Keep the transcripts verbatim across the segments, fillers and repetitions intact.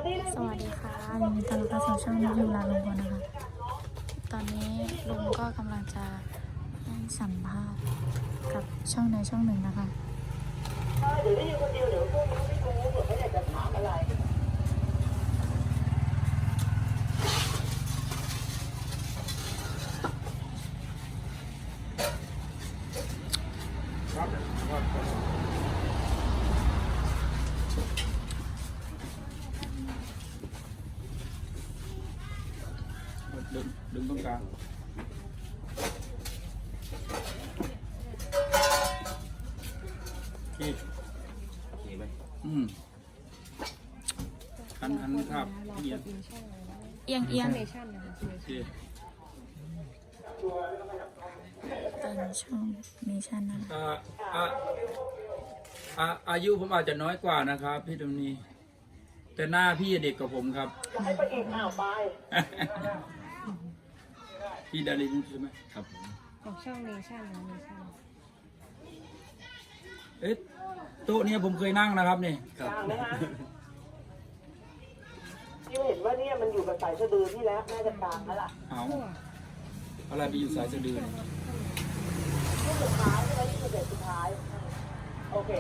สวัสดีค่ะยินดีต้อนรับเข้าสู่ช่องยูราลุงพลนะคะตอนนี้ลุงก็กำลังจะให้สัมภาษณ์กับช่องในช่องหนึ่งนะคะเดี๋ยวได้ยินคนเดียวเดี๋ยวพวกนี้ไม่รู้เผื่อเขาอยากจะถามอะไรดึงดึงตรงกลางที่เห็นไหมอืมอันอันภาพเอียงเอียงเอียงที่เป็นช่องเนชั่นนะคะอ่าอ่าอ่าอายุผมอาจจะน้อยกว่านะครับพี่ตรงนี้ แต่หน้าพี่เด็กกว่าผมครับให้ไปอีกอ้าวไปพี่ดารินใช่ไหมครับของช่องเนชั่นนะเนชั่นเอ๊ะโต๊ะเนี้ยผมเคยนั่งนะครับนี่กลางไหมฮะที่เห็นว่าเนี่ยมันอยู่กับสายสะดือที่แล้วน่าจะกลางแล้วล่ะเอาอะไรไปอยู่สายสะดือเนี่ยช่วงสุดท้ายใช่ไหมที่คือเด็ดสุดท้ายโอเค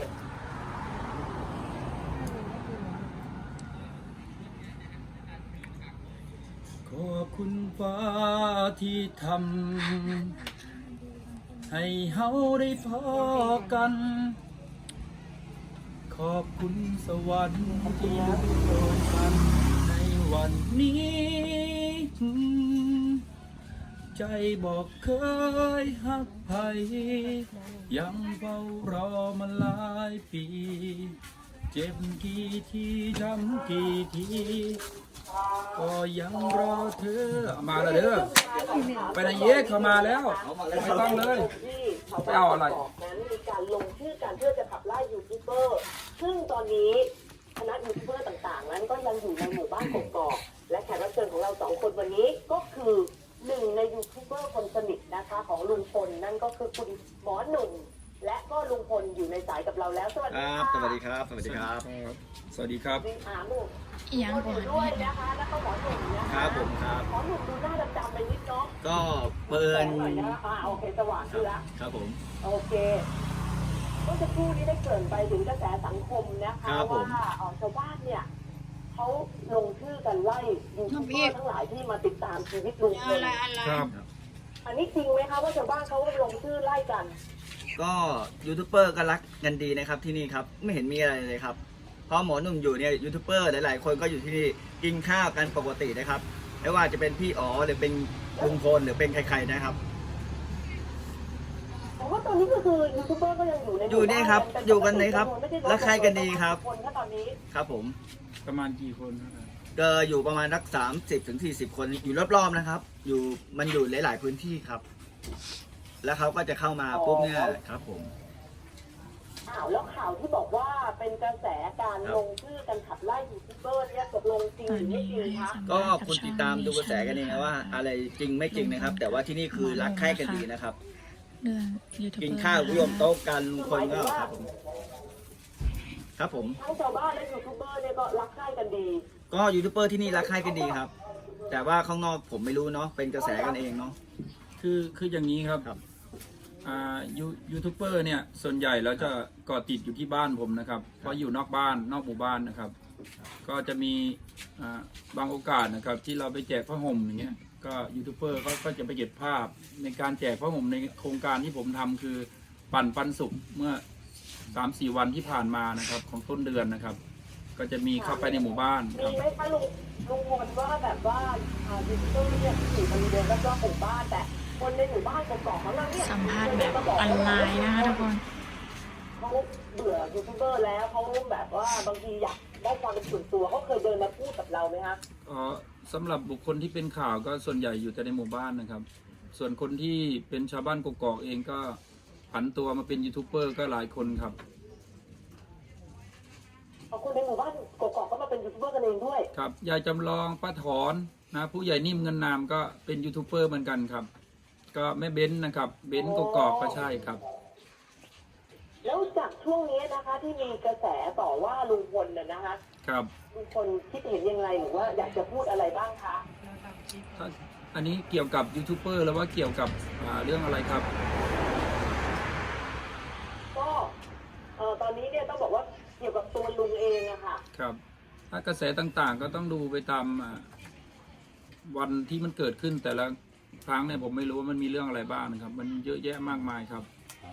ขอบคุณฟ้าที่ทำให้เฮาได้พอกัน ขอบคุณสวรรค์ที่อยู่โดนกันในวันนี้ ใจบอกเคยหักไผยังเฝ้ารอมาหลายปี เจ็บกี่ทีช้ำกี่ทีก็ยังรอเธอมาแล้วเด้อไปไหนเยกเข้ามาแล้วไม่ต้องเลยที่ชาวไปบ้านเอาอะไรบอกนั้นมีการลงชื่อกันเพื่อจะขับไล่ยูทูบเบอร์ซึ่งตอนนี้คณะยูทูบเบอร์ต่างๆ นั้นก็ยังอยู่ในหมู่บ้านกกอกและแขกรับเชิญของเราสองคนวันนี้ก็คือหนึ่งในยูทูบเบอร์คนสนิทนะคะของลุงพลนั่นก็คือคุณหมอหนุ่มและก็ลุงพลอยู่ในสายกับเราแล้วสวัสคดีรับค่ะสวัสดีครับ สวัสดีครับสวัสดีครับดิอาหนุ่มเอียงก็ก่ออนยู่ด้วยนะคะแล้วก็หมอหนุ่มนะคคะรับผมครับหมอหนุ่มดูหน้าดำๆไปนิดเนาะก็เปิแสดงหน่อยนะอ่าโอเคสว่างขึ้นแล้วครับผมโอเคเมื่อสักครู่นี้ได้เกริ่นไปถึงกระแสสังคมนะคะว่าเอ่อชาวบ้านเนี่ยเขาลงชื่อกันไล่ยูทูบเบอร์ทั้งหลายที่มาติดตามชีวิตลุงพลครับอันนี้จริงไหมคะว่าชาวบ้านเขาลงชื่อไล่กันก็ยูทูบเบอร์ก็รักกันดีนะครับที่นี่ครับ ไม่เห็นมีอะไรเลยครับ เพราะหมอหนุ่มอยู่เนี่ยยูทูบเบอร์หลายๆคนก็อยู่ที่นี่กินข้าวกันปกตินะครับ ไม่ว่าจะเป็นพี่อ๋อหรือเป็นลุงพลหรือเป็นใครๆนะครับผมว่าตอนนี้ก็คือยูทูบเบอร์ก็ยังอยู่ในอยู่เนี่ยครับอยู่กันเลยครับรักใครกันดีครับคนถ้าตอนนี้ครับผมประมาณกี่คนครับก็อยู่ประมาณสักสามสิบถึงสี่สิบคนอยู่รอบๆนะครับ อยู่มันอยู่หลายๆพื้นที่ครับ แล้วเขาก็จะเข้ามาปุ๊บเนี่ยครับผมข่าวแล้วข่าวที่บอกว่าเป็นกระแสการลงชื่อกันขับไล่ยูทูบเบอร์เนี่ยตกลงจริงตอหนรือไม่นี้จริงให้คะสัมก็ภาษณ์กับคุณช่ติอดงตามเนดูกระแสชั่นกันเองนะนะว่าคะอะไรจริงไม่จริงนะครับ แต่ว่าที่นี่คือรักใคร่กันดีนะครับเรื่องยูทูบเบอร์กินข้าวร่วมโต๊ะกันลุงพลก็ครับผมครับผมทั้งชาวบ้านและยูทูบเบอร์เนี่ยก็รักใคร่กันดีก็ยูทูบเบอร์ที่นี่รักใคร่กันดีครับ แต่ว่าข้างนอกผมไม่รู้เนาะเป็นกระแสกันเองเนาะคือคืออย่างนี้ครับครับอ่ายูยูทูบเบอร์เนี่ยส่วนใหญ่แล้วจะเกาะติดอยู่ที่บ้านผมนะครับเพราะอยู่นอกบ้านนอกหมู่บ้านนะครับ ก็จะมีอ่าบางโอกาสนะครับที่เราไปแจกผ้าห่มอย่างเงี้ยก็ยูทูบเบอร์เขาก็จะไปเก็บภาพในการแจกผ้าห่มในโครงการที่ผมทำคือปั่นปันสุขเมื่อสามสี่วันที่ผ่านมานะครับของต้นเดือนนะครับ ก็จะมีเข้าไปในหมู่บ้านคมีรับไหมคะลุงลุงพลว่าแบบว่าอ่ายูทูบเบอร์เนี่ยอยู่บริเวณรอบๆหมู่บ้านแต่คนในหมู่บ้านกกอกของเราเนี่ยสัมภาษณ์แบบออนไลน์นะคะทุกคนเขาเบื่อยูทูบเบอร์แล้วเขาแบบว่าบางทีอยากได้ความเป็นส่วนตัวเขาเคยเดินมาพูดกับเราไหมคะเอ่อสำหรับบุคคลที่เป็นข่าวก็ส่วนใหญ่อยู่แต่ในหมู่บ้านนะครับ ส่วนคนที่เป็นชาวบ้านกกอกเองก็ผันตัวมาเป็นยูทูบเบอร์ก็หลายคนครับเอาคนในหมู่บ้านกกอกก็มาเป็นยูทูบเบอร์กันเองด้วยครับยายจำลองป้าถอนนะผู้ใหญ่นิ่มเงินนามก็เป็นยูทูบเบอร์เหมือนกันครับ ก็แม่เบ้นนะครับเบ้นกกอกก็ใช่ครับแล้วจากช่วงนี้นะคะที่มีกระแสต่อว่าลุงพลน่ะนะคะครับลุงพลคิดเห็นอย่างไรหรือว่าอยากจะพูดอะไรบ้างคะถ้าอันนี้เกี่ยวกับยูทูบเบอร์แล้วว่าเกี่ยวกับอ่าเรื่องอะไรครับก็เอ่อตอนนี้เนี่ยต้องบอกว่าเกี่ยวกับตัวลุงเองอะค่ะครับ ถ้ากระแสต่างๆ ก็ต้องดูไปตามอ่าวันที่มันเกิดขึ้นแต่ละครั้งเนี่ยผมไม่รู้ว่ามันมีเรื่องอะไรบ้างนะครับ มันเยอะแยะมากมายครับ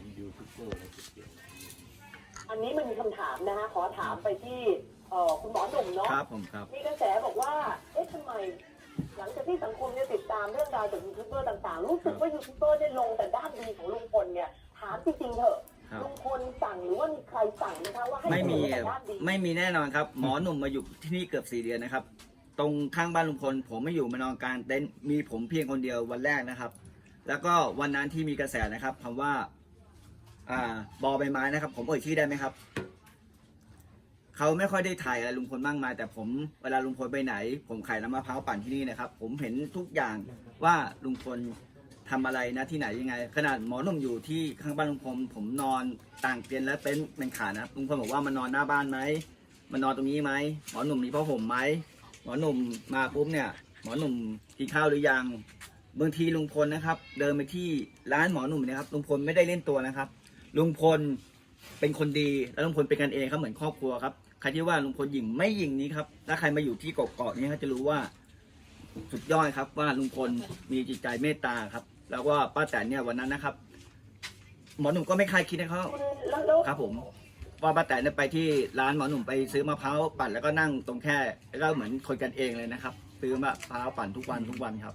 อันนี้มันมีคำถามนะคะขอถามไปที่เอ่อคุณหมอหนุ่มเนาะครับผมครับมีกระแสบอกว่าเอ๊ะทำไมหลังจากที่สังคมเนี่ยติดตามเรื่องราวจากยูทูบเบอร์ต่างๆรู้สึกว่ายูทูบเบอร์ได้ลงแต่ด้านดีของลุงพลเนี่ยถามจริงๆเถอะครับลุงพลสั่งหรือว่ามีใครสั่งนะคะว่าให้ไม่มีลงแต่ด้านดีไม่มีแน่นอนครับ หมอหนุ่มมาอยู่ที่นี่เกือบสี่เดือนนะครับ ตรงข้างบ้านลุงพลผมไม่อยู่มานอนกลางเต็นท์มีผมเพียงคนเดียววันแรกนะครับ แล้วก็วันนั้นที่มีกระแสนะครับคำว่า อ่าบอใบไม้นะครับ ผมเอ่ยชื่อได้ไหมครับเขาไม่ค่อยได้ถ่ายอะไรลุงพลมากมายแต่ผมเวลาลุงพลไปไหน ผมขายน้ำมะพร้าวปั่นที่นี่นะครับ ผมเห็นทุกอย่างว่าลุงพลทำอะไรนะที่ไหนยังไง ขนาดหมอหนุ่มอยู่ที่ข้างบ้านลุงพลผมนอนต่างเตียงและเต็นท์เป็นขานะครับลุงพลบอกว่ามันนอนหน้าบ้านไหมมันนอนตรงนี้ไหมหมอหนุ่มมีผ้าห่มไหมหมอหนุ่มมาปุ๊บเนี่ยหมอหนุ่มกินข้าวหรือยังบางทีลุงพลนะครับ เดินไปที่ร้านหมอหนุ่มนะครับลุงพลไม่ได้เล่นตัวนะครับลุงพลเป็นคนดีและลุงพลเป็นกันเองครับเหมือนครอบครัวครับใครที่ว่าลุงพลหยิ่งไม่หยิ่งนี้ครับถ้าใครมาอยู่ที่เกาะๆนี้เขาจะรู้ว่าสุดยอดครับว่าลุงพลมีจิตใจเมตตาครับแล้วก็ป้าแตนเนี่ยวันนั้นนะครับ หมอหนุ่มก็ไม่คาดคิดนะเขาแล้วแล้วครับผมว่าป้าแตนเนี่ยไปที่ร้านหมอหนุ่มไปซื้อมะพร้าวปั่นแล้วก็นั่งตรงแค่แล้วก็เหมือนคนกันเองเลยนะครับซื้อมะพร้าวปั่นทุกวันทุกวันครับ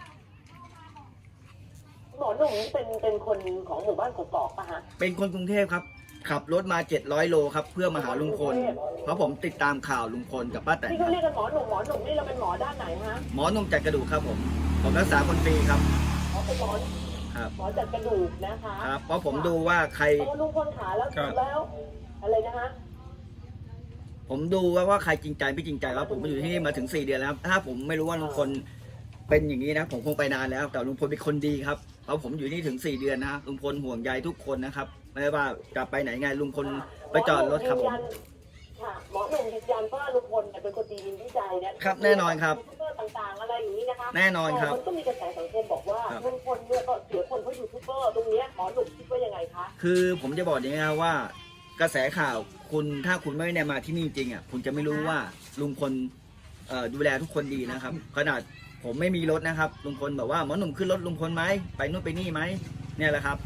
หมอหนุ่มนี่เป็นเป็นคนของหมู่บ้านกกอกปะฮะเป็นคนกรุงเทพครับขับรถมาเจ็ดร้อยโลครับเพื่อมาหาลุงพลเพราะผมติดตามข่าวลุงพลกับป้าแตนที่คเขารับเรียกกันหมอหนุ่มหมอหนุ่มนี่เราเป็นหมอด้านไหนฮะหมอหนุ่มจัดกระดูกครับผมผมรักษาคนฟรีครับหมอเป็นหมอครับหมอจัดกระดูกนะคะครับเพราะผมดูว่าใครโอ้ลุงพลขาแล้วครับแล้วอะไรนะฮะผมดูว่าว่าใครจริงใจไม่จริงใจครับผมมาอยู่ที่นี่มาถึงสี่เดือนแล้วครับถ้าผมไม่รู้ว่าลุงพลเป็นอย่างนี้นะผมคงไปนานแล้ว แต่ลุงพลเป็นคนดีครับเพราะผมอยู่นี่ถึงสี่เดือนนะลุงพลห่วงใยทุกคนนะครับไม่ว่าจะไปไหนไงลุงพลไปจอดรถครับผมค่ะหมอหนุ่มยืนยันว่าลุงพลเนี่ยเป็นคนดีมีวิจัยนะครับแน่นอนครับยูทูบเบอร์ต่างๆอะไรอย่างนี้นะคะแน่นอนครับแต่มันก็มีกระแสสังคมบอกว่าครับลุงพลเนี่ยก็เสียคนเพราะยูทูบเบอร์ตรงเนี้ยหมอหนุ่มคิดว่ายังไงคะคือผมจะบอกอย่างนี้นะว่ากระแสข่าวคุณถ้าคุณไม่ได้มาที่นี่จริงอ่ะคุณจะไม่รู้ว่าลุงพลเอ่อดูแลทุกคนดีนะครับ ขนาดผมไม่มีรถนะครับลุงพลบอกว่าหมอหนุ่มขึ้นรถลุงพลไหมไปนู่นไปนี่ไหมเนี่ยแหละครับ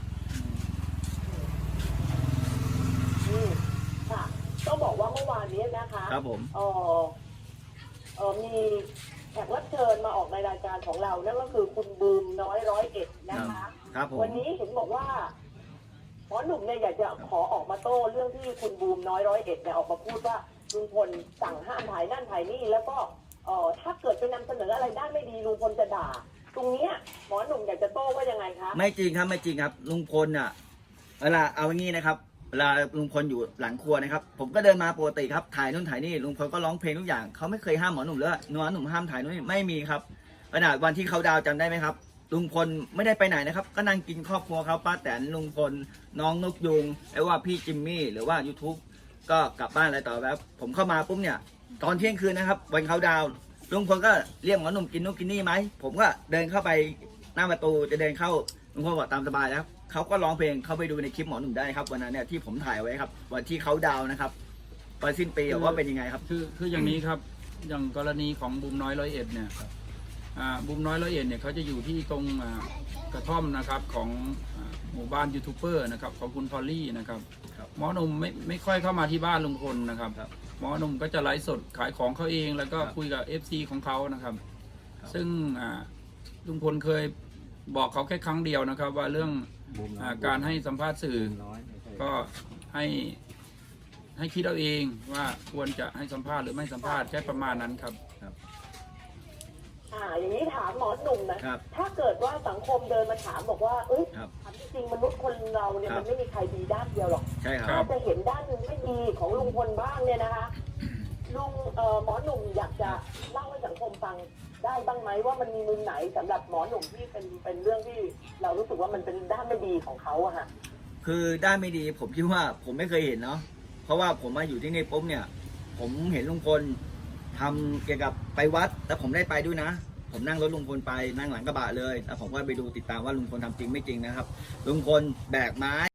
อืมค่ะต้องบอกว่าเมื่อวานนี้นะคะครับผมเออเออมีแขกรับเชิญมาออกในรายการของเรานั่นก็คือคุณบูมน้อยร้อยเอ็ดนะคะครับผมวันนี้เห็นบอกว่าหมอหนุ่มเนี่ยอยากจะขอออกมาโต้เรื่องที่คุณบูมน้อยร้อยเอ็ดเนี่ยออกมาพูดว่าลุงพลสั่งห้ามถ่ายนั่นถ่ายนี่แล้วก็เออถ้าเกิดไปนำเสนออะไรด้านไม่ดีลุงพลจะด่า ตรงเนี้ยหมอหนุ่มอยากจะโต้ว่ายังไงคะไม่จริงครับไม่จริงครับลุงพลอ่ะเวลาเอาอย่างนี้นะครับเวลาลุงพลอยู่หลังครัวนะครับ ผมก็เดินมาปกติครับถ่ายนู่นถ่ายนี่ลุงพลก็ร้องเพลงทุกอย่างเขาไม่เคยห้ามหมอหนุ่มเลยหมอหนุ่มห้ามถ่ายนู่นนี่ไม่มีครับขนาดวันที่เขาดาวน์จำได้ไหมครับลุงพลไม่ได้ไปไหนนะครับ ก็นั่งกินครอบครัวเขาป้าแตนลุงพลน้องนกยุงไอ้ว่าพี่จิมมี่หรือว่า YouTube ก็กลับบ้านอะไรต่อแบบผมเข้ามาปุ๊บเนี่ยตอนเที่ยงคืนนะครับวันเขาดาวน์ลุงพลก็เรียกหมอหนุ่มกินนู่นกินนี่ไหมผมก็เดินเข้าไปหน้าประตูจะเดินเข้าลุงพลบอกตามสบายแล้วเขาก็ร้องเพลงเข้าไปดูในคลิปหมอหนุ่มได้ครับวันนั้นเนี่ยที่ผมถ่ายไว้ครับวันที่เขาดาวน์นะครับตอนสิ้นปีว่าเป็นยังไงครับคือคืออย่างนี้ครับอย่างกรณีของบูมน้อยร้อยเอ็ดเนี่ยอ่าบูมน้อยร้อยเอ็ดเนี่ยเขาจะอยู่ที่ตรงอ่ากระท่อมนะครับของอ่าหมู่บ้านยูทูบเบอร์นะครับของคุณพอลลี่นะครับครับหมอหนุ่มไม่ไม่ค่อยเข้ามาที่บ้านลุงพลนะครับครับหมอหนุ่มก็จะไลฟ์สดขายของเขาเองแล้วก็ครับคุยกับ เอฟ ซี ของเขานะครับครับซึ่งอ่าลุงพลเคยบอกเขาแค่ครั้งเดียวนะครับ ว่าเรื่องอาการให้สัมภาษณ์สื่อก็ให้ให้คิดเอาเองว่าควรจะให้สัมภาษณ์หรือไม่สัมภาษณ์แค่ประมาณนั้นครับอ่าอย่างนี้ถามหมอหนุ่มนะครับถ้าเกิดว่าสังคมเดินมาถามบอกว่าเอ้ยครับถามจริงๆมนุษย์คนเราเนี่ยครับมันไม่มีใครดีด้านเดียวหรอกใช่คครัรับบจะเห็นด้านหนึ่งไม่ดีของลุงพลบ้างเนี่ยนะคะลุงเอ่อหมอหนุ่มอยากจะเล่าให้สังคมฟังได้บ้างไหมว่ามันมีมุมไหนสำหรับหมอหนุ่มที่เป็นเป็นเรื่องที่เรารู้สึกว่ามันเป็นด้านไม่ดีของเขาอะค่ะคือด้านไม่ดีผมคิดว่าผมไม่เคยเห็นเนาะเพราะว่าผมมาอยู่ที่นี่ปุ๊บเนี่ยผมเห็นลุงพลทำเกี่ยวกับไปวัดแต่ผมได้ไปด้วยนะ ผมนั่งรถลุงพลไปนั่งหลังกระบะเลยแล้วผมก็ไปดูติดตามว่าลุงพลทำจริงไม่จริงนะครับลุงพลแบกไม้